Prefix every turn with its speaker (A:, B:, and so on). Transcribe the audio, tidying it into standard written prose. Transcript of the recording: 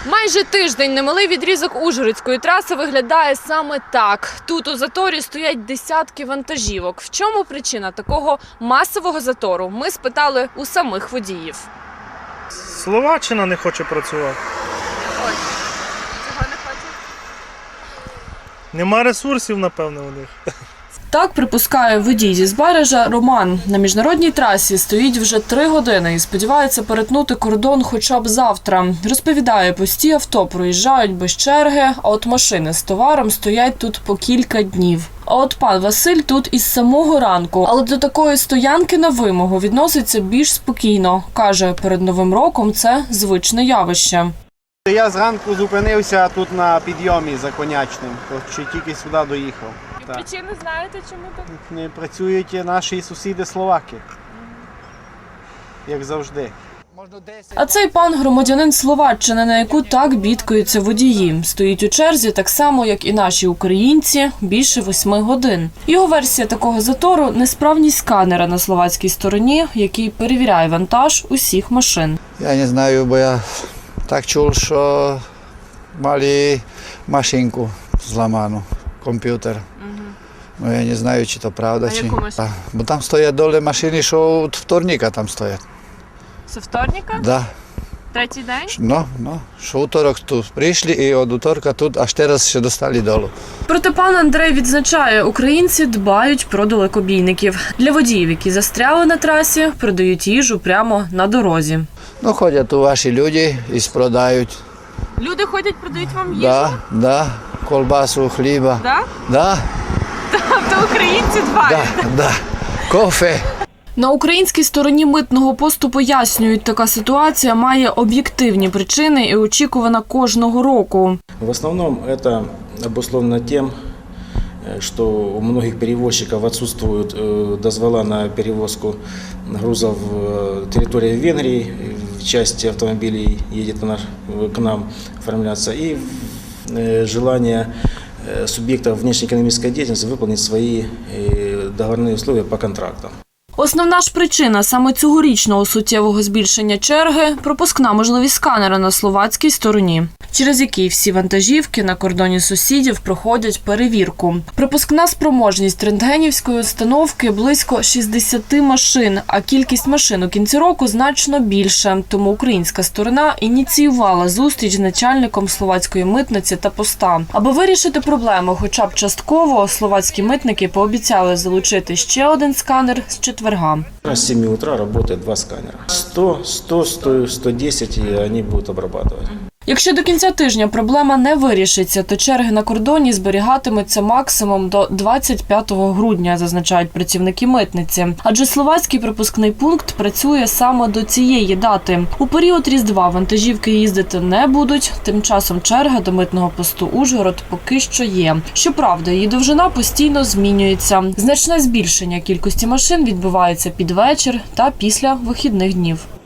A: Майже тиждень немалий відрізок Ужгородської траси виглядає саме так. Тут у заторі стоять десятки вантажівок. В чому причина такого масового затору? Ми спитали у самих водіїв.
B: Словаччина не хоче працювати.
A: Ой, цього не хоче?
B: Нема ресурсів, напевно, у них.
A: Так припускає водій зі Збаража Роман. На міжнародній трасі стоїть вже 3 години і сподівається перетнути кордон хоча б завтра. Розповідає, пусті авто проїжджають без черги, а от машини з товаром стоять тут по кілька днів. А от пан Василь тут із самого ранку, але до такої стоянки на вимогу відноситься більш спокійно. Каже, перед Новим роком це звичне явище.
C: Я зранку зупинився тут на підйомі за Конячним, що тільки сюди доїхав.
A: Причини знаєте, чому так?
C: Не працюють наші сусіди словаки, як завжди.
A: А цей пан громадянин Словаччини, на яку так бідкаються водії. Стоїть у черзі так само, як і наші українці, більше 8 годин. Його версія такого затору – несправність сканера на словацькій стороні, який перевіряє вантаж усіх машин.
D: Я не знаю, бо я так чув, що мали машинку зламану, комп'ютер. Ну, я не знаю, чи то правда, чи... Бо там стоять долі машини, що від вторника там стоять.
A: Це вторника?
D: Да.
A: Третій день?
D: Ну, що уторок тут прийшли і від уторка тут аж зараз ще достали долу.
A: Проте пан Андрей відзначає, українці дбають про далекобійників. Для водіїв, які застряли на трасі, продають їжу прямо на дорозі.
D: Ну, ходять тут ваші люди і спродають.
A: Люди ходять, продають вам їжу?
D: Да, колбасу, хліба.
A: Да?
D: Да.
A: Тобто українці дбають?
D: Да. Кофе.
A: На українській стороні митного посту пояснюють, така ситуація має об'єктивні причини і очікувана кожного року.
E: В основном это обусловлено тем, что у многих перевозчиков отсутствуют дозвола на перевозку грузов в территории Венгрии, часть автомобилей едет к нам оформляться, и желание субъектов внешнеэкономической деятельности выполнить свои договорные условия по контрактам.
A: Основна ж причина саме цьогорічного суттєвого збільшення черги – пропускна можливість сканера на словацькій стороні, через який всі вантажівки на кордоні сусідів проходять перевірку. Пропускна спроможність рентгенівської установки – близько 60 машин, а кількість машин у кінці року значно більше. Тому українська сторона ініціювала зустріч з начальником словацької митниці та поста. Аби вирішити проблему хоча б частково, словацькі митники пообіцяли залучити ще один сканер з четверга.
E: С 7 утра работает 2 сканера. 100, 110 и они будут обрабатывать.
A: Якщо до кінця тижня проблема не вирішиться, то черги на кордоні зберігатимуться максимум до 25 грудня, зазначають працівники митниці. Адже словацький пропускний пункт працює саме до цієї дати. У період Різдва вантажівки їздити не будуть, тим часом черга до митного посту Ужгород поки що є. Щоправда, її довжина постійно змінюється. Значне збільшення кількості машин відбувається під вечір та після вихідних днів.